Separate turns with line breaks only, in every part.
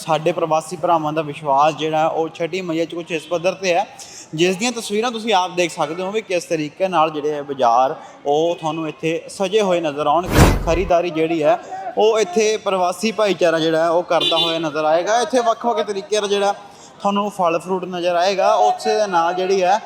ਸਾਡੇ ਪ੍ਰਵਾਸੀ ਭਰਾਵਾਂ ਦਾ ਵਿਸ਼ਵਾਸ ਜਿਹੜਾ ਉਹ ਛਠੀ ਮਈਆ 'ਚ ਕੁਛ ਇਸ ਪੱਧਰ 'ਤੇ ਹੈ, ਜਿਸ ਦੀਆਂ ਤਸਵੀਰਾਂ ਤੁਸੀਂ ਆਪ ਦੇਖ ਸਕਦੇ ਹੋ ਵੀ ਕਿਸ ਤਰੀਕੇ ਨਾਲ ਜਿਹੜੇ ਹੈ ਬਾਜ਼ਾਰ ਉਹ ਤੁਹਾਨੂੰ ਇੱਥੇ ਸਜੇ ਹੋਏ ਨਜ਼ਰ ਆਉਣਗੇ। ਖਰੀਦਦਾਰੀ ਜਿਹੜੀ ਹੈ ਉਹ ਇੱਥੇ ਪ੍ਰਵਾਸੀ ਭਾਈਚਾਰਾ ਜਿਹੜਾ ਹੈ ਉਹ ਕਰਦਾ ਹੋਇਆ ਨਜ਼ਰ ਆਏਗਾ। ਇੱਥੇ ਵੱਖ-ਵੱਖ ਤਰੀਕੇ ਦਾ ਜਿਹੜਾ ਤੁਹਾਨੂੰ ਫਲ ਫਰੂਟ ਨਜ਼ਰ ਆਏਗਾ। ਉਸੇ ਦੇ ਨਾਲ ਜਿਹੜੀ ਹੈ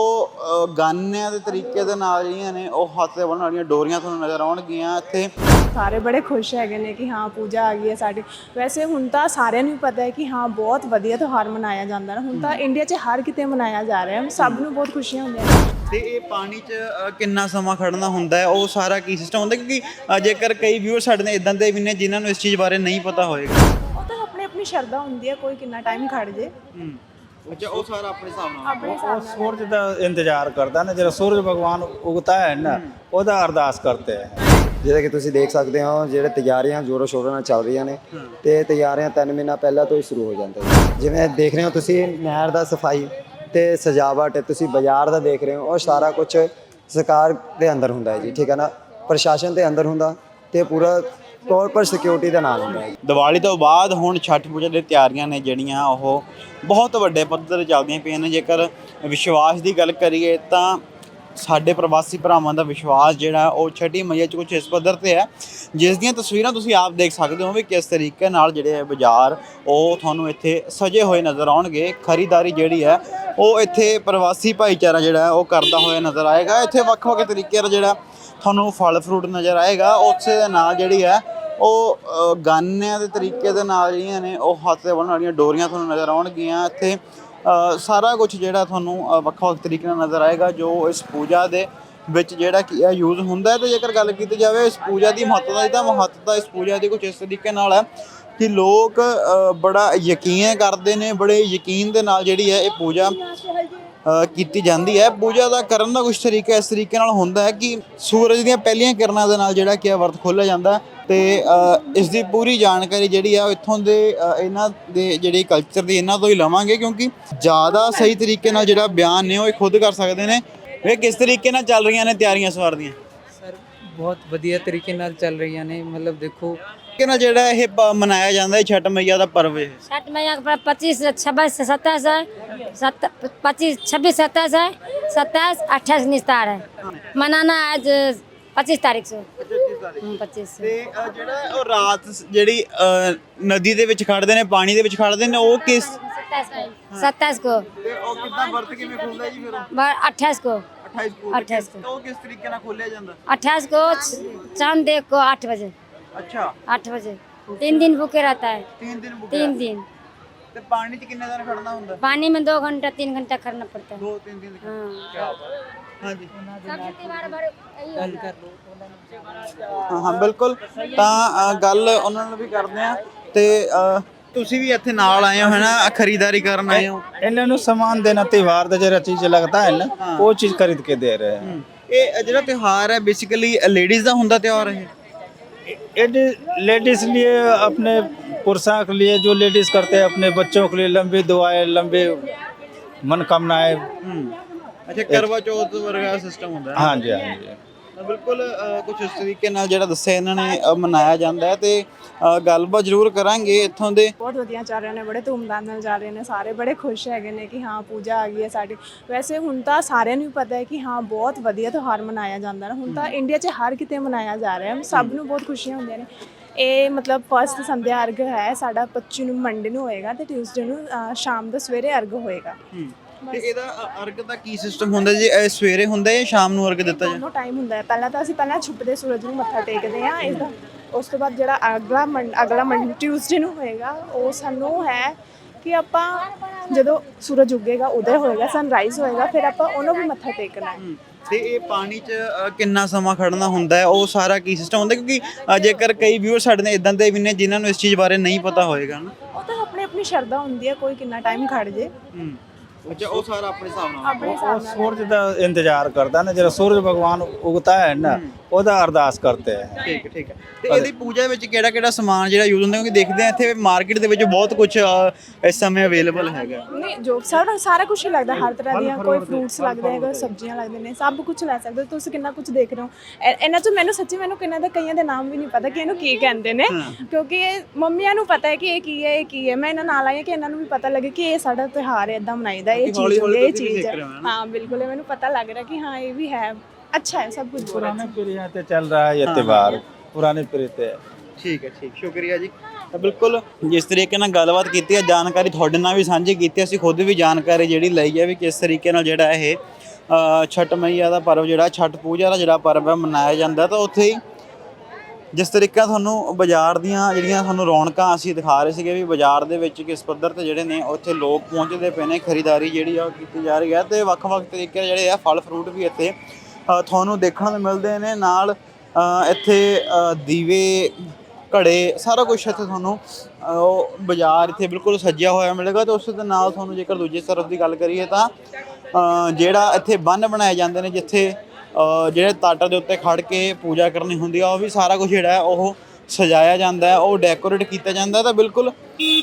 ਉਹ ਗਾਨਿਆਂ ਦੇ ਤਰੀਕੇ ਦੇ ਨਾਲ ਜਿਹੜੀਆਂ ਨੇ ਉਹ ਹੱਥ 'ਤੇ ਬਣਨ ਵਾਲੀਆਂ ਡੋਰੀਆਂ ਤੁਹਾਨੂੰ ਨਜ਼ਰ ਆਉਣਗੀਆਂ। ਇੱਥੇ
ਸਾਰੇ ਬੜੇ ਖੁਸ਼ ਹੈਗੇ ਨੇ ਕਿ ਹਾਂ ਪੂਜਾ ਆ ਗਈ ਹੈ ਸਾਡੀ। ਵੈਸੇ ਹੁਣ ਤਾਂ ਸਾਰਿਆਂ ਨੂੰ ਪਤਾ ਹੈ ਕਿ ਹਾਂ ਬਹੁਤ ਵਧੀਆ ਤਿਉਹਾਰ ਮਨਾਇਆ ਜਾਂਦਾ ਨਾ। ਹੁਣ ਤਾਂ ਇੰਡੀਆ 'ਚ ਹਰ ਕਿਤੇ ਮਨਾਇਆ ਜਾ ਰਿਹਾ, ਸਭ ਨੂੰ ਬਹੁਤ ਖੁਸ਼ੀਆਂ ਹੁੰਦੀਆਂ ਨੇ।
ਤੇ ਇਹ ਪਾਣੀ 'ਚ ਕਿੰਨਾ ਸਮਾਂ ਖੜਨਾ ਹੁੰਦਾ ਹੈ, ਉਹ ਸਾਰਾ ਕੀ ਸਿਸਟਮ ਹੁੰਦਾ? ਕਿਉਂਕਿ ਜੇਕਰ ਕਈ ਵਿਊਅਰ ਸਾਡੇ ਨੇ ਇਦਾਂ ਦੇ ਵੀ ਨੇ ਜਿਨ੍ਹਾਂ ਨੂੰ ਇਸ ਚੀਜ਼ ਬਾਰੇ ਨਹੀਂ ਪਤਾ ਹੋਏਗਾ।
ਉਹ ਤਾਂ ਆਪਣੀ ਆਪਣੀ ਸ਼ਰਧਾ ਹੁੰਦੀ ਹੈ, ਕੋਈ ਕਿੰਨਾ ਟਾਈਮ ਖੜ ਜੇ।
ਅੱਛਾ, ਉਹ ਸਾਰਾ ਆਪਣੇ ਹਿਸਾਬ ਨਾਲ
ਆਪਣੇ ਹਿਸਾਬ ਨਾਲ
सूरज का इंतजार करता है ना, जब सूरज भगवान उगता है ना ਉਹਦਾ ਅਰਦਾਸ करते हैं।
ਜਿਵੇਂ ਕਿ ਤੁਸੀਂ ਦੇਖ ਸਕਦੇ ਹੋ ਜਿਹੜੇ ਤਿਆਰੀਆਂ ਜ਼ੋਰੋ ਸ਼ੋਰਾਂ ਨਾਲ ਚੱਲ ਰਹੀਆਂ ਨੇ ਤੇ ਤਿਆਰੀਆਂ 3 ਮਹੀਨਾ ਪਹਿਲਾਂ ਤੋਂ ਹੀ ਸ਼ੁਰੂ ਹੋ ਜਾਂਦੀਆਂ। ਜਿਵੇਂ ਦੇਖ ਰਹੇ ਹੋ ਤੁਸੀਂ ਨਹਿਰ ਦਾ ਸਫਾਈ ਤੇ ਸਜਾਵਟ, ਤੁਸੀਂ ਬਾਜ਼ਾਰ ਦਾ ਦੇਖ ਰਹੇ ਹੋ, ਉਹ ਸਾਰਾ ਕੁਝ ਸਰਕਾਰ ਦੇ ਅੰਦਰ ਹੁੰਦਾ ਹੈ ਜੀ, ਠੀਕ ਹੈ ਨਾ, ਪ੍ਰਸ਼ਾਸਨ ਦੇ ਅੰਦਰ ਹੁੰਦਾ ਤੇ ਪੂਰਾ ਤੌਰ ਪਰ ਸਿਕਿਉਰਿਟੀ ਦੇ ਨਾਲ ਹੁੰਦਾ ਹੈ।
ਦੀਵਾਲੀ ਤੋਂ ਬਾਅਦ ਹੁਣ ਛਠ ਪੂਜਾ ਦੀਆਂ ਤਿਆਰੀਆਂ ਨੇ ਜਿਹੜੀਆਂ ਉਹ ਬਹੁਤ ਵੱਡੇ ਪੱਧਰ 'ਤੇ ਚੱਲਦੀਆਂ ਪਈਆਂ ਨੇ। ਜੇਕਰ ਵਿਸ਼ਵਾਸ ਦੀ ਗੱਲ ਕਰੀਏ ਤਾਂ ਸਾਡੇ ਪ੍ਰਵਾਸੀ ਭਰਾਵਾਂ ਦਾ ਵਿਸ਼ਵਾਸ ਜਿਹੜਾ ਉਹ ਛਠੀ ਮਈਆ 'ਚ ਕੁਛ ਇਸ ਪੱਧਰ 'ਤੇ ਹੈ, ਜਿਸ ਦੀਆਂ ਤਸਵੀਰਾਂ ਤੁਸੀਂ ਆਪ ਦੇਖ ਸਕਦੇ ਹੋ ਵੀ ਕਿਸ ਤਰੀਕੇ ਨਾਲ ਜਿਹੜੇ ਹੈ ਬਾਜ਼ਾਰ ਉਹ ਤੁਹਾਨੂੰ ਇੱਥੇ ਸਜੇ ਹੋਏ ਨਜ਼ਰ ਆਉਣਗੇ। ਖਰੀਦਦਾਰੀ ਜਿਹੜੀ ਹੈ ਉਹ ਇੱਥੇ ਪ੍ਰਵਾਸੀ ਭਾਈਚਾਰਾ ਜਿਹੜਾ ਹੈ ਉਹ ਕਰਦਾ ਹੋਇਆ ਨਜ਼ਰ ਆਏਗਾ। ਇੱਥੇ ਵੱਖ-ਵੱਖ ਤਰੀਕੇ ਦਾ ਜਿਹੜਾ ਤੁਹਾਨੂੰ ਫਲ ਫਰੂਟ ਨਜ਼ਰ ਆਏਗਾ। ਉਸੇ ਦੇ ਨਾਲ ਜਿਹੜੀ ਹੈ ਉਹ ਗਾਨਿਆਂ ਦੇ ਤਰੀਕੇ ਦੇ ਨਾਲ ਜਿਹੜੀਆਂ ਨੇ ਉਹ ਹੱਥ 'ਤੇ ਬਣਨ ਵਾਲੀਆਂ ਡੋਰੀਆਂ ਤੁਹਾਨੂੰ ਨਜ਼ਰ ਆਉਣਗੀਆਂ। ਇੱਥੇ ਸਾਰਾ ਕੁਝ ਜਿਹੜਾ ਤੁਹਾਨੂੰ ਵੱਖ-ਵੱਖ ਤਰੀਕੇ ਨਾਲ ਨਜ਼ਰ ਆਏਗਾ ਜੋ ਇਸ ਪੂਜਾ ਦੇ ਵਿੱਚ ਜਿਹੜਾ ਕੀ ਹੈ ਯੂਜ਼ ਹੁੰਦਾ ਹੈ। ਤੇ ਜੇਕਰ ਗੱਲ ਕੀਤੀ ਜਾਵੇ ਇਸ ਪੂਜਾ ਦੀ ਮਹੱਤਤਾ ਦੀ, ਤਾਂ ਮਹੱਤਤਾ ਇਸ ਪੂਜਾ ਦੀ ਕੁਝ ਇਸ ਤਰੀਕੇ ਨਾਲ ਹੈ ਕਿ ਲੋਕ ਬੜਾ ਯਕੀਨ ਕਰਦੇ ਨੇ, ਬੜੇ ਯਕੀਨ ਦੇ ਨਾਲ ਜਿਹੜੀ ਹੈ ਇਹ ਪੂਜਾ ਕੀਤੀ ਜਾਂਦੀ ਹੈ। ਪੂਜਾ ਦਾ ਕਰਨ ਦਾ ਕੁਝ ਤਰੀਕਾ ਇਸ ਤਰੀਕੇ ਨਾਲ ਹੁੰਦਾ ਹੈ ਕਿ ਸੂਰਜ ਦੀਆਂ ਪਹਿਲੀਆਂ ਕਿਰਨਾਂ ਦੇ ਨਾਲ ਜਿਹੜਾ ਕਿ ਵਰਤ ਖੋਲ੍ਹਿਆ ਜਾਂਦਾ ਤੇ ਇਸ ਦੀ ਪੂਰੀ ਜਾਣਕਾਰੀ ਜਿਹੜੀ ਆ ਇੱਥੋਂ ਦੇ ਇਹਨਾਂ ਦੇ ਜਿਹੜੇ ਕਲਚਰ ਦੀ ਇਹਨਾਂ ਤੋਂ ਹੀ ਲਵਾਂਗੇ, ਕਿਉਂਕਿ ਜ਼ਿਆਦਾ ਸਹੀ ਤਰੀਕੇ ਨਾਲ ਜਿਹੜਾ ਬਿਆਨ ਨੇ ਉਹ ਇਹ ਖੁਦ ਕਰ ਸਕਦੇ ਨੇ। ਇਹ ਕਿਸ ਤਰੀਕੇ ਨਾਲ ਚੱਲ ਰਹੀਆਂ ਨੇ ਤਿਆਰੀਆਂ ਸਵਾਰ ਦੀਆਂ?
ਸਰ ਬਹੁਤ ਵਧੀਆ ਤਰੀਕੇ ਨਾਲ ਚੱਲ ਰਹੀਆਂ ਨੇ। ਮਤਲਬ ਦੇਖੋ
ਕਿ ਨਾਲ ਜਿਹੜਾ ਇਹ ਮਨਾਇਆ ਜਾਂਦਾ ਹੈ ਛਠ ਮਈਆ ਦਾ ਪਰਵ ਹੈ।
छठ मैया का 25 26 27 है 25 26 27 है 27 28 निस्तार है। मनाना आज 25 तारीख से 25 से।
ਤੇ ਜਿਹੜਾ ਉਹ ਰਾਤ ਜਿਹੜੀ ਨਦੀ ਦੇ ਵਿੱਚ ਖੜਦੇ ਨੇ, ਪਾਣੀ ਦੇ ਵਿੱਚ ਖੜਦੇ ਨੇ, ਉਹ ਕਿਸ
27 को
ਤੇ ਉਹ ਕਿੱਦਾਂ ਵਰਤ ਕਿਵੇਂ ਖੁੱਲਦਾ ਜੀ ਫਿਰ?
28 को
28 ਨੂੰ ਉਹ ਕਿਸ ਤਰੀਕੇ ਨਾਲ ਖੋਲਿਆ ਜਾਂਦਾ?
28 को चांद देख को 8 बजे
ਅੱਛਾ,
8 बजे 3 दिन भूखे रहता है।
3 ਦਿਨ ਭੁੱਖਿਆ।
3 दिन
ਤੇ ਪਾਣੀ 'ਚ कितने ਦਿਨ ਖੜਨਾ ਹੁੰਦਾ?
पानी में 2 घंटा 3 घंटा करना पड़ता है।
2-3 ਦਿਨ।
हाँ
ਹਾਂਜੀ,
सबसे त्योहार भर यही होता है।
ਹਾਂ ਬਿਲਕੁਲ। ਤਾਂ ਗੱਲ ਉਹਨਾਂ ਨਾਲ ਵੀ ਕਰਦੇ ਆ। ਤੇ ਤੁਸੀਂ ਵੀ ਇੱਥੇ ਨਾਲ ਆਏ ਹੋ ਹੈ ਨਾ, ਖਰੀਦਦਾਰੀ ਕਰਨ ਆਏ ਹੋ?
ਇਹਨਾਂ ਨੂੰ ਸਮਾਨ ਦੇਣਾ, ਤਿਉਹਾਰ ਦਾ ਜਿਹੜਾ ਚੀਜ਼ ਲੱਗਦਾ ਹੈ ਨਾ ਉਹ ਚੀਜ਼ ਖਰੀਦ ਕੇ ਦੇ ਰਹੇ हैं।
ਇਹ ਜਿਹੜਾ ਤਿਉਹਾਰ ਹੈ ਬੇਸਿਕਲੀ ਲੇਡੀਜ਼ ਦਾ ਹੁੰਦਾ ਤਿਉਹਾਰ ਇਹ?
लेडीज लिए अपने पुरुषों के लिए जो लेडीज करते हैं, अपने बच्चों के लिए लंबी दुआएं, लंबी मनोकामनाएं।
ਅੱਛਾ, ਕਰਵਾ ਚੌਥ ਵਰਗਾ ਸਿਸਟਮ ਹੁੰਦਾ ਹੈ?
हाँ जी, हाँ जी।
ਤਾਂ ਬਿਲਕੁਲ ਕੁਝ ਇਸ ਤਰੀਕੇ ਨਾਲ ਜਿਹੜਾ ਦੱਸਿਆ ਇਹਨਾਂ ਨੇ ਮਨਾਇਆ ਜਾਂਦਾ ਹੈ। ਤੇ ਗੱਲਬਾਤ ਜ਼ਰੂਰ ਕਰਾਂਗੇ ਇੱਥੋਂ ਦੇ।
ਬਹੁਤ ਵਧੀਆ ਚੱਲ ਰਹੇ ਨੇ, ਬੜੇ ਧੂਮਧਾਮ ਨਾਲ ਚੱਲ ਰਹੇ ਨੇ। ਸਾਰੇ ਬੜੇ ਖੁਸ਼ ਹੈਗੇ ਨੇ ਕਿ ਹਾਂ ਪੂਜਾ ਆ ਗਈ ਹੈ ਸਾਡੀ। ਵੈਸੇ ਹੁਣ ਤਾਂ ਸਾਰਿਆਂ ਨੂੰ ਪਤਾ ਹੈ ਕਿ ਹਾਂ ਬਹੁਤ ਵਧੀਆ ਤਿਉਹਾਰ ਮਨਾਇਆ ਜਾਂਦਾ ਨਾ। ਹੁਣ ਤਾਂ ਇੰਡੀਆ 'ਚ ਹਰ ਕਿਤੇ ਮਨਾਇਆ ਜਾ ਰਿਹਾ, ਸਭ ਨੂੰ ਬਹੁਤ ਖੁਸ਼ੀਆਂ ਹੁੰਦੀਆਂ ਨੇ। ਇਹ ਮਤਲਬ ਫਸਟ ਸੰਧਿਆ ਅਰਗ ਹੈ ਸਾਡਾ 25 ਨੂੰ ਮੰਡੇ ਨੂੰ ਹੋਏਗਾ ਤੇ ਟਿਊਜ਼ਡੇ ਨੂੰ ਸ਼ਾਮ ਦਾ ਸਵੇਰੇ ਅਰਗ ਹੋਏਗਾ।
ਤੇ ਇਹਦਾ ਅਰਗ ਦਾ ਕੀ ਸਿਸਟਮ ਹੁੰਦਾ ਜੀ? ਇਹ ਸਵੇਰੇ ਹੁੰਦਾ ਜਾਂ ਸ਼ਾਮ ਨੂੰ ਅਰਗ ਦਿੱਤਾ ਜਾਂਦਾ?
ਦੋਨੋਂ ਟਾਈਮ ਹੁੰਦਾ ਹੈ। ਪਹਿਲਾਂ ਤਾਂ ਅਸੀਂ ਛੁਪਦੇ ਸੂਰਜ ਨੂੰ ਮੱਥਾ ਟੇਕਦੇ ਹਾਂ ਇਸਦਾ। ਉਸ ਤੋਂ ਬਾਅਦ ਜਿਹੜਾ ਅਗਲਾ ਮੰਡੇ ਟਿਊਜ਼ਡੇ ਨੂੰ ਹੋਏਗਾ, ਉਹ ਸਾਨੂੰ ਹੈ ਕਿ ਆਪਾਂ ਜਦੋਂ ਸੂਰਜ ਉੱਗੇਗਾ, ਉਦੈ ਹੋਏਗਾ, ਸਨਰਾਈਜ਼ ਹੋਏਗਾ, ਫਿਰ ਆਪਾਂ ਉਹਨੂੰ ਵੀ ਮੱਥਾ ਟੇਕਣਾ ਹੈ।
ਤੇ ਇਹ ਪਾਣੀ 'ਚ ਕਿੰਨਾ ਸਮਾਂ ਖੜਨਾ ਹੁੰਦਾ ਹੈ, ਉਹ ਸਾਰਾ ਕੀ ਸਿਸਟਮ ਹੁੰਦਾ? ਕਿਉਂਕਿ ਜੇਕਰ ਕਈ ਵਿਊਅਰ ਸਾਡੇ ਨੇ ਇਦਾਂ ਦੇ ਵੀ ਨੇ ਜਿਨ੍ਹਾਂ ਨੂੰ ਇਸ ਚੀਜ਼ ਬਾਰੇ ਨਹੀਂ ਪਤਾ ਹੋਏਗਾ ਨਾ।
ਉਹ ਤਾਂ ਆਪਣੀ ਆਪਣੀ ਸ਼ਰਧਾ ਹੁੰਦੀ ਹੈ, ਕੋਈ ਕਿੰਨਾ ਟਾਈਮ ਖੜ ਜੇ।
ਅੱਛਾ ਉਹ ਸਾਰਾ ਆਪਣੇ ਹਿਸਾਬ ਨਾਲ
ਆਪਣੇ ਹਿਸਾਬ ਨਾਲ
सूरज का इंतजार करता है ना, जरा सूरज भगवान उगता है ना, ओदा अरदास करते हैं।
ਠੀਕ ਹੈ, ਠੀਕ ਹੈ। ਤੇ ਇਹਦੀ ਪੂਜਾ ਵਿੱਚ ਕਿਹੜਾ ਕਿਹੜਾ ਸਮਾਨ ਜਿਹੜਾ ਯੂਜ਼ ਹੁੰਦਾ, ਕਿਉਂਕਿ ਦੇਖਦੇ ਆ ਇੱਥੇ ਮਾਰਕੀਟ ਦੇ ਵਿੱਚ ਬਹੁਤ ਕੁਝ ਇਸ ਸਮੇਂ ਅਵੇਲੇਬਲ ਹੈਗਾ।
ਨਹੀਂ ਜੋ ਸਾਰਾ ਕੁਝ ਹੀ ਲੱਗਦਾ, ਹਰ ਤਰ੍ਹਾਂ ਦੀਆਂ, ਕੋਈ ਫਰੂਟਸ ਲੱਗਦੇ ਹੈ, ਕੋਈ ਸਬਜ਼ੀਆਂ ਲੱਗਦੇ ਨੇ, ਸਭ ਕੁਝ ਲੈ ਸਕਦੇ ਹੋ ਤੁਸੀਂ। ਕਿੰਨਾ ਕੁਝ ਦੇਖ ਰਹੇ ਹੋ ਇਹਨਾਂ 'ਚ। ਮੈਨੂੰ ਸੱਚੀ ਕਿੰਨਾ ਦਾ ਕਈਆਂ ਦੇ ਨਾਮ ਵੀ ਨਹੀਂ ਪਤਾ ਕਿ ਇਹਨੂੰ ਕੀ ਕਹਿੰਦੇ ਨੇ, ਕਿਉਂਕਿ ਇਹ ਮੰਮੀਆਂ ਨੂੰ ਪਤਾ ਹੈ ਕਿ ਇਹ ਕੀ ਹੈ, ਇਹ ਕੀ ਹੈ। ਮੈਂ ਇਹਨਾਂ ਨਾਲ ਆਈ ਹਾਂ ਕਿ ਇਹਨਾਂ ਨੂੰ ਵੀ ਪਤਾ ਲੱਗੇ ਕਿ ਇਹ ਸਾਡਾ ਤਿਉਹਾਰ ਹੈ, ਇਦਾਂ ਮਨਾਈਦਾ, ਇਹ ਚੀਜ਼ ਹੁੰਦੀ ਹੈ, ਇਹ ਚੀਜ਼ ਹੈ। हाँ बिल्कुल, मैंने पता लग रहा है कि हाँ ये भी है, अच्छा है, सब कुछ
पुराने पीढ़ियां से चल रहा है ये त्योहार, पुराने पीढ़ी से।
ਠੀਕ ਹੈ, ਠੀਕ, ਸ਼ੁਕਰੀਆ ਜੀ। ਤਾਂ ਬਿਲਕੁਲ ਜਿਸ ਤਰੀਕੇ ਨਾਲ ਗੱਲਬਾਤ ਕੀਤੀ ਹੈ, ਜਾਣਕਾਰੀ ਤੁਹਾਡੇ ਨਾਲ ਵੀ ਸਾਂਝੀ ਕੀਤੀ, ਅਸੀਂ ਖੁਦ ਵੀ ਜਾਣਕਾਰੀ ਜਿਹੜੀ ਲਈ ਹੈ ਵੀ ਕਿਸ ਤਰੀਕੇ ਨਾਲ ਜਿਹੜਾ ਇਹ ਛਠ ਮਈਆ ਦਾ ਪਰਵ ਜਿਹੜਾ ਛਠ ਪੂਜਾ ਦਾ ਜਿਹੜਾ ਪਰਵ ਹੈ ਮਨਾਇਆ ਜਾਂਦਾ। ਤਾਂ ਉੱਥੇ ਹੀ ਜਿਸ ਤਰੀਕਾ ਤੁਹਾਨੂੰ ਬਾਜ਼ਾਰ ਦੀਆਂ ਜਿਹੜੀਆਂ ਤੁਹਾਨੂੰ ਰੌਣਕਾਂ ਅਸੀਂ ਦਿਖਾ ਰਹੇ ਸੀਗੇ ਵੀ ਬਾਜ਼ਾਰ ਦੇ ਵਿੱਚ ਕਿਸ ਪੱਧਰ ਤੇ ਜਿਹੜੇ ਨੇ ਉੱਥੇ ਲੋਕ ਪਹੁੰਚਦੇ ਪਏ ਨੇ, ਖਰੀਦਦਾਰੀ ਜਿਹੜੀ ਆ ਉਹ ਕੀਤੀ ਜਾ ਰਹੀ ਹੈ। ਤੇ ਵੱਖ-ਵੱਖ ਤਰੀਕੇ ਜਿਹੜੇ ਆ ਫਲ ਫਰੂਟ ਵੀ ਇੱਥੇ ਤੁਹਾਨੂੰ ਦੇਖਣ ਨੂੰ ਮਿਲਦੇ ਨੇ। ਨਾਲ ਇੱਥੇ ਦੀਵੇ, ਘੜੇ, ਸਾਰਾ ਕੁਝ ਇੱਥੇ ਤੁਹਾਨੂੰ ਉਹ ਬਾਜ਼ਾਰ ਇੱਥੇ ਬਿਲਕੁਲ ਸੱਜਿਆ ਹੋਇਆ ਮਿਲੇਗਾ। ਤੇ ਉਸ ਦੇ ਨਾਲ ਤੁਹਾਨੂੰ ਜੇਕਰ ਦੂਜੇ ਤਰਫ ਦੀ ਗੱਲ ਕਰੀਏ ਤਾਂ ਜਿਹੜਾ ਇੱਥੇ ਬੰਨ ਬਣਾਏ ਜਾਂਦੇ ਨੇ, ਜਿੱਥੇ ਜਿਹੜੇ ਤੱਟ ਦੇ ਉੱਤੇ ਖੜ ਕੇ ਪੂਜਾ ਕਰਨੀ ਹੁੰਦੀ ਆ, ਉਹ ਵੀ ਸਾਰਾ ਕੁਝ ਜਿਹੜਾ ਹੈ ਉਹ ਸਜਾਇਆ ਜਾਂਦਾ ਹੈ, ਉਹ ਡੈਕੋਰੇਟ ਕੀਤਾ ਜਾਂਦਾ। ਤਾਂ ਬਿਲਕੁਲ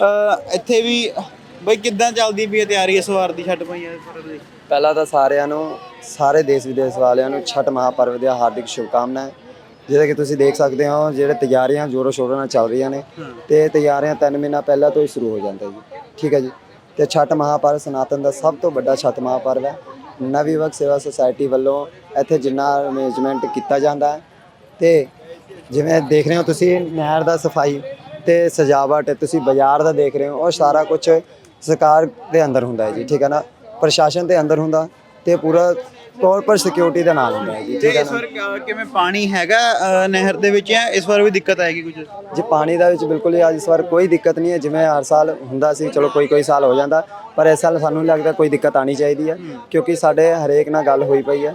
ਇੱਥੇ ਵੀ ਬਈ ਕਿੱਦਾਂ ਚੱਲਦੀ ਪਈ ਹੈ ਤਿਆਰੀ ਇਸ ਵਾਰ ਦੀ ਛਠ ਮਈਆ ਦੇ ਪਰਵ ਦੀ?
ਪਹਿਲਾਂ ਤਾਂ ਸਾਰਿਆਂ ਨੂੰ, ਸਾਰੇ ਦੇਸ਼ ਵਿਦੇਸ਼ ਵਾਲਿਆਂ ਨੂੰ ਛਠ ਮਹਾਪਰਵ ਦੀਆਂ ਹਾਰਦਿਕ ਸ਼ੁਭਕਾਮਨਾਵਾਂ। ਜਿਵੇਂ ਕਿ ਤੁਸੀਂ ਦੇਖ ਸਕਦੇ ਹੋ ਜਿਹੜੇ ਤਿਆਰੀਆਂ ਜ਼ੋਰੋ ਸ਼ੋਰੋ ਨਾਲ ਚੱਲ ਰਹੀਆਂ ਨੇ, ਤੇ ਤਿਆਰੀਆਂ 3 ਮਹੀਨਾ ਪਹਿਲਾਂ ਤੋਂ ਹੀ ਸ਼ੁਰੂ ਹੋ ਜਾਂਦਾ ਜੀ। ਠੀਕ ਹੈ ਜੀ। ਤੇ ਛਠ ਮਹਾਪਰਵ ਸਨਾਤਨ ਦਾ ਸਭ ਤੋਂ ਵੱਡਾ ਛਠ ਮਹਾਪਰਵ ਹੈ। ਨਵ ਯੁਵਕ ਸੇਵਾ ਸੁਸਾਇਟੀ ਵੱਲੋਂ ਇੱਥੇ ਜਿੰਨਾ ਅਰੇਂਜਮੈਂਟ ਕੀਤਾ ਜਾਂਦਾ ਹੈ, ਤੇ ਜਿਵੇਂ ਦੇਖ ਰਹੇ ਹੋ ਤੁਸੀਂ ਨਹਿਰ ਦਾ ਸਫਾਈ ਤੇ ਸਜਾਵਟ, ਤੁਸੀਂ ਬਾਜ਼ਾਰ ਦਾ ਦੇਖ ਰਹੇ ਹੋ, ਉਹ ਸਾਰਾ ਕੁਝ ਸਰਕਾਰ ਦੇ ਅੰਦਰ ਹੁੰਦਾ ਹੈ ਜੀ। ਠੀਕ ਹੈ ਨਾ, ਪ੍ਰਸ਼ਾਸਨ ਦੇ ਅੰਦਰ ਹੁੰਦਾ ਤੇ ਪੂਰਾ ਤੌਰ ਪਰ ਸਿਕਿਉਰਿਟੀ ਦਾ ਨਾਲ ਹੁੰਦਾ ਹੈ ਜੀ। ਠੀਕ ਹੈ
ਇਸ
ਨਾ।
ਵਾਰ ਕਿਵੇਂ ਪਾਣੀ ਹੈਗਾ ਨਹਿਰ ਦੇ ਵਿੱਚ, ਜਾਂ ਇਸ ਵਾਰ ਵੀ ਦਿੱਕਤ ਆਏਗੀ ਕੁਝ?
ਜੀ ਪਾਣੀ ਦਾ ਵਿੱਚ ਬਿਲਕੁਲ ਹੀ ਇਸ ਵਾਰ ਕੋਈ ਦਿੱਕਤ ਨਹੀਂ ਹੈ। ਜਿਵੇਂ ਹਰ ਸਾਲ ਹੁੰਦਾ ਸੀ, ਚਲੋ ਕੋਈ ਸਾਲ ਹੋ ਜਾਂਦਾ, ਪਰ ਇਸ ਸਾਲ ਸਾਨੂੰ ਲੱਗਦਾ ਕੋਈ ਦਿੱਕਤ ਆਣੀ ਚਾਹੀਦੀ ਹੈ, ਕਿਉਂਕਿ ਸਾਡੇ ਹਰੇਕ ਨਾਲ ਗੱਲ ਹੋਈ ਪਈ ਹੈ।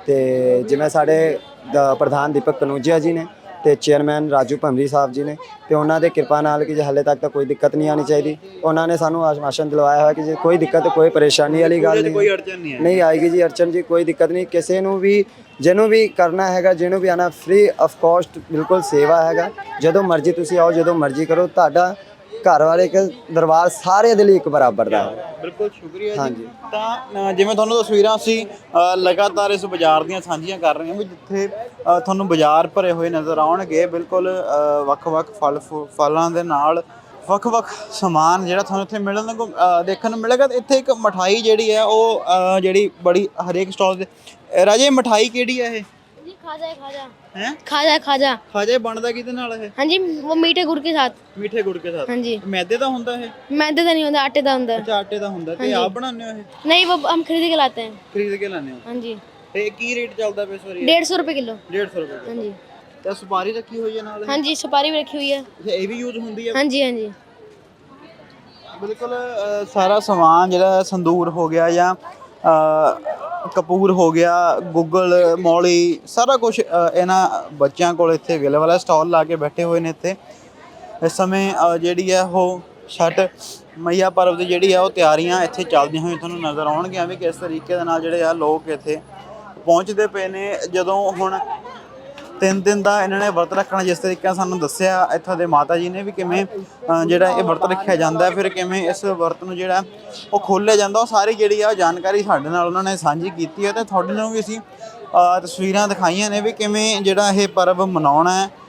ਤੇ ਜਿਵੇਂ ਸਾਡੇ ਪ੍ਰਧਾਨ ਦੀਪਕ ਕਨੂਜੀਆ ਜੀ ਨੇ ਤੇ ਚੇਅਰਮੈਨ ਰਾਜੂ ਭੰਮਰੀ ਸਾਹਿਬ ਜੀ ਨੇ, ਤੇ ਉਹਨਾਂ ਦੇ ਕਿਰਪਾ ਨਾਲ ਕਿ ਹਾਲੇ ਤੱਕ ਤਾਂ ਕੋਈ ਦਿੱਕਤ ਨਹੀਂ ਆਣੀ ਚਾਹੀਦੀ। ਉਹਨਾਂ ਨੇ ਸਾਨੂੰ ਆਸ਼ਵਾਸਨ ਦਿਲਵਾਇਆ ਹੋਇਆ ਕਿ ਜੇ ਕੋਈ ਦਿੱਕਤ, ਕੋਈ ਪਰੇਸ਼ਾਨੀ ਵਾਲੀ ਗੱਲ ਨਹੀਂ,
ਕੋਈ ਅੜਚਨ
ਨਹੀਂ ਆਏਗੀ ਜੀ। ਅੜਚਨ ਜੀ ਕੋਈ ਦਿੱਕਤ ਨਹੀਂ। ਕਿਸੇ ਨੂੰ ਵੀ ਜਿਹਨੂੰ ਵੀ ਕਰਨਾ ਹੈਗਾ, ਜਿਹਨੂੰ ਵੀ ਆਣਾ, ਫ੍ਰੀ ਆਫ ਕਾਸਟ ਬਿਲਕੁਲ ਸੇਵਾ ਹੈਗਾ। ਜਦੋਂ ਮਰਜ਼ੀ ਤੁਸੀਂ ਆਓ, ਜਦੋਂ ਮਰਜ਼ੀ ਕਰੋ। ਤੁਹਾਡਾ ਘਰ ਵਾਲੇ ਇੱਕ ਦਰਬਾਰ ਸਾਰੇ ਦੇ ਲਈ ਇੱਕ ਬਰਾਬਰ ਦਾ ਹੈ।
ਬਿਲਕੁਲ, ਸ਼ੁਕਰੀਆ ਜੀ। ਤਾਂ ਜਿਵੇਂ ਤੁਹਾਨੂੰ ਤਸਵੀਰਾਂ ਅਸੀਂ ਲਗਾਤਾਰ ਇਸ ਬਾਜ਼ਾਰ ਦੀਆਂ ਸਾਂਝੀਆਂ ਕਰ ਰਹੇ ਹਾਂ ਵੀ ਜਿੱਥੇ ਤੁਹਾਨੂੰ ਬਾਜ਼ਾਰ ਭਰੇ ਹੋਏ ਨਜ਼ਰ ਆਉਣਗੇ। ਬਿਲਕੁਲ ਵੱਖ-ਵੱਖ ਫਲਾਂ ਦੇ ਨਾਲ ਵੱਖ-ਵੱਖ ਸਮਾਨ ਜਿਹੜਾ ਤੁਹਾਨੂੰ ਇੱਥੇ ਮਿਲਣ ਨੂੰ ਦੇਖਣ ਨੂੰ ਮਿਲੇਗਾ। ਇੱਥੇ ਇੱਕ ਮਠਾਈ ਜਿਹੜੀ ਹੈ ਉਹ ਜਿਹੜੀ ਬੜੀ ਹਰੇਕ ਸਟਾਲ ਤੇ। ਰਾਜੇ ਮਠਾਈ ਕਿਹੜੀ ਹੈ ਇਹ?
जी खाजा है खाजा
है
खाजा है खाजा
ਖਾਜਾ ਬਣਦਾ ਕਿਹਦੇ ਨਾਲ ਇਹ?
हाँ जी वो मीठे गुड़ के साथ
ਮਿੱਠੇ ਗੁੜ ਕੇ ਸਾਥ।
हाँ जी
ਮੈਦੇ ਦਾ ਹੁੰਦਾ ਇਹ?
मैदे का नहीं होता आटे का होता है
ਅੱਛਾ ਆਟੇ ਦਾ ਹੁੰਦਾ। ਤੇ ਆਪ ਬਣਾਉਂਦੇ ਹੋ ਇਹ?
नहीं वो हम खरीद के लाते हैं
ਖਰੀਦ ਕੇ ਲਾਉਂਦੇ ਹੋ?
हाँ जी
ਤੇ ਕੀ ਰੇਟ ਚੱਲਦਾ ਪਿਆ ਇਸ ਵਾਰੀ?
150 रुपए किलो
150 ਰੁਪਏ।
हाँ जी
ਤੇ ਸੁਪਾਰੀ ਰੱਖੀ ਹੋਈ ਹੈ ਨਾਲ?
हाँ जी सुपारी भी रखी हुई है
ਅੱਛਾ ਇਹ ਵੀ ਯੂਜ਼ ਹੁੰਦੀ ਹੈ?
हाँ जी
ਬਿਲਕੁਲ ਸਾਰਾ ਸਮਾਨ ਜਿਹੜਾ ਸੰਦੂਰ ਹੋ ਗਿਆ ਜਾਂ ਕਪੂਰ ਹੋ ਗਿਆ, ਗੁੱਗਲ, ਮੌਲੀ, ਸਾਰਾ ਕੁਝ ਇਹਨਾਂ ਬੱਚਿਆਂ ਕੋਲ ਇੱਥੇ ਅਵੇਲੇਬਲ ਹੈ। ਸਟਾਲ ਲਾ ਕੇ ਬੈਠੇ ਹੋਏ ਨੇ ਇੱਥੇ। ਇਸ ਸਮੇਂ ਜਿਹੜੀ ਹੈ ਉਹ ਛਠ ਮਈਆ ਪਰਵ ਦੀ ਜਿਹੜੀ ਆ ਉਹ ਤਿਆਰੀਆਂ ਇੱਥੇ ਚੱਲਦੀਆਂ ਹੋਈਆਂ ਤੁਹਾਨੂੰ ਨਜ਼ਰ ਆਉਣਗੀਆਂ ਵੀ ਕਿਸ ਤਰੀਕੇ ਦੇ ਨਾਲ ਜਿਹੜੇ ਆ ਲੋਕ ਇੱਥੇ ਪਹੁੰਚਦੇ ਪਏ ਨੇ। ਜਦੋਂ ਹੁਣ 3 ਦਿਨ ਦਾ ਇਹਨਾਂ ਨੇ ਵਰਤ ਰੱਖਣਾ, ਜਿਸ ਤਰੀਕੇ ਨਾਲ ਸਾਨੂੰ ਦੱਸਿਆ ਇੱਥੋਂ ਦੇ ਮਾਤਾ ਜੀ ਨੇ ਵੀ ਕਿਵੇਂ ਜਿਹੜਾ ਇਹ ਵਰਤ ਰੱਖਿਆ ਜਾਂਦਾ, ਫਿਰ ਕਿਵੇਂ ਇਸ ਵਰਤ ਨੂੰ ਜਿਹੜਾ ਉਹ ਖੋਲ੍ਹਿਆ ਜਾਂਦਾ, ਉਹ ਸਾਰੀ ਜਿਹੜੀ ਆ ਜਾਣਕਾਰੀ ਸਾਡੇ ਨਾਲ ਉਹਨਾਂ ਨੇ ਸਾਂਝੀ ਕੀਤੀ ਹੈ। ਤੇ ਤੁਹਾਡੇ ਨੂੰ ਵੀ ਅਸੀਂ ਤਸਵੀਰਾਂ ਦਿਖਾਈਆਂ ਨੇ ਵੀ ਕਿਵੇਂ ਜਿਹੜਾ ਇਹ ਪਰਵ ਮਨਾਉਣਾ ਹੈ।